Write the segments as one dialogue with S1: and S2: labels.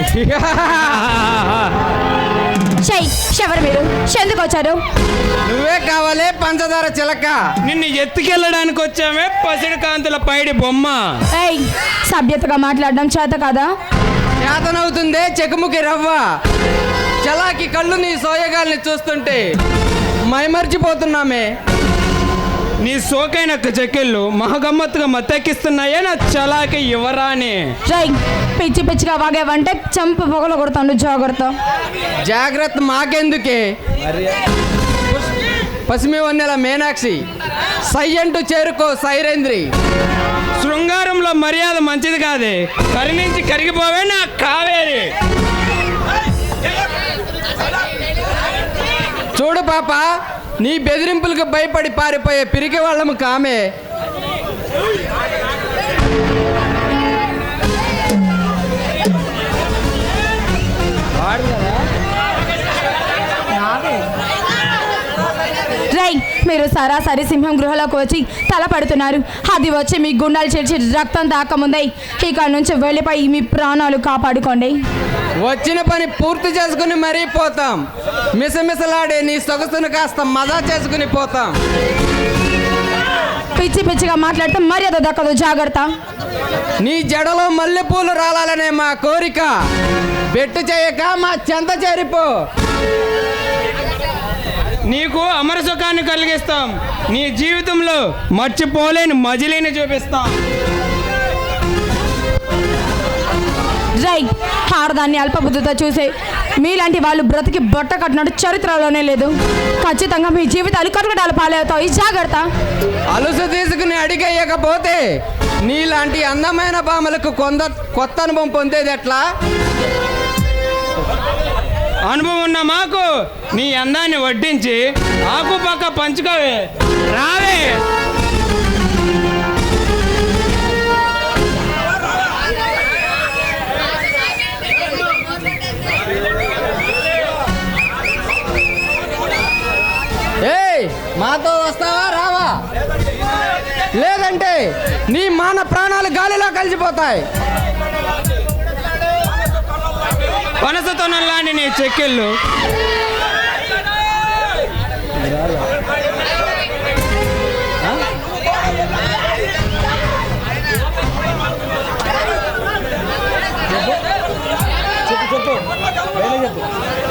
S1: ఎవరు మీరు? ఎందుకు వచ్చారు?
S2: నువ్వే కావాలి పంచదార చిలక.
S3: నిన్ను ఎత్తుకెళ్ళడానికి వచ్చామే పసిడి కాంతుల పైడి బొమ్మ.
S1: ఏయ్, సభ్యతగా మాట్లాడడం చేత కదా?
S2: చేతనవుతుందే చెకుముకి రవ్వ. చలాకి కళ్ళు నీ సోయగాల్ని చూస్తుంటే మైమర్చిపోతున్నామే.
S3: నీ సోకైన చెక్కిళ్ళు మహగమ్మత్తుగా మత్తెక్కిస్తున్నాయే నా చలాకి యువరాని.
S1: పిచ్చి పిచ్చిగా వాగేవంటే చంపు పొగలు కొడతాను. జాగ్రత్త.
S2: జాగ్రత్త మాకెందుకే? పసిమి వన్నెల మీనాక్షి సయ్యంటూ చేరుకో సైరేంద్రి.
S3: శృంగారంలో మర్యాద మంచిది కాదే, కరిణించి కరిగిపోవే నా కావేరి.
S2: చూడు పాప, నీ బెదిరింపులకు భయపడి పారిపోయే పిరికి వాళ్ళము కామే.
S1: మీరు సరాసరి సింహం గృహలోకి వచ్చి తల పడుతున్నారు. అది వచ్చి మీ గుండాలు చేర్చి రక్తం తాకముందే ఇక్కడ నుంచి వెళ్ళిపోయి మీ ప్రాణాలు కాపాడుకోండి.
S2: వచ్చిన పని పూర్తి చేసుకుని మరీ పోతాం. మిసమిసలాడే నీ సొగసును కాస్త మజా చేసుకుని పోతాం.
S1: పిచ్చి పిచ్చిగా మాట్లాడితే మర్యాద దక్కదు. జాగ్రత్త.
S2: నీ జడలో మల్లెపూలు రాలాలనే మా కోరిక. బెట్టు చేయక మా చెంత చేరిపో.
S3: నీకు అమర సుఖాన్ని కలిగిస్తాం. నీ జీవితంలో మర్చిపోలేని మజిలీని చూపిస్తాం.
S1: ఆడదాన్ని అల్పబుద్ధితో చూసే మీలాంటి వాళ్ళు బ్రతికి బొట్ట కట్టినట్టు చరిత్రలోనే లేదు. ఖచ్చితంగా మీ జీవితాలు కటకటాలు పాలవుతాయి. జాగ్రత్త.
S2: అలుసు తీసుకుని అడిగేయకపోతే నీలాంటి అందమైన భామలకు కొత్త అనుభవం పొందేది ఎట్లా?
S3: అనుభవం ఉన్న మాకు నీ అందాన్ని వడ్డించి ఆకుపక్క పంచుకోవే. రావే.
S2: ఏయ్, మాతో వస్తావా రావా? లేదంటే నీ మాన ప్రాణాలు గాలిలో కలిసిపోతాయి.
S3: పనసతొనల్లాంటి నీ చెక్కిళ్ళు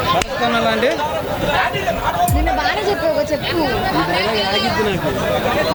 S4: చెప్పు.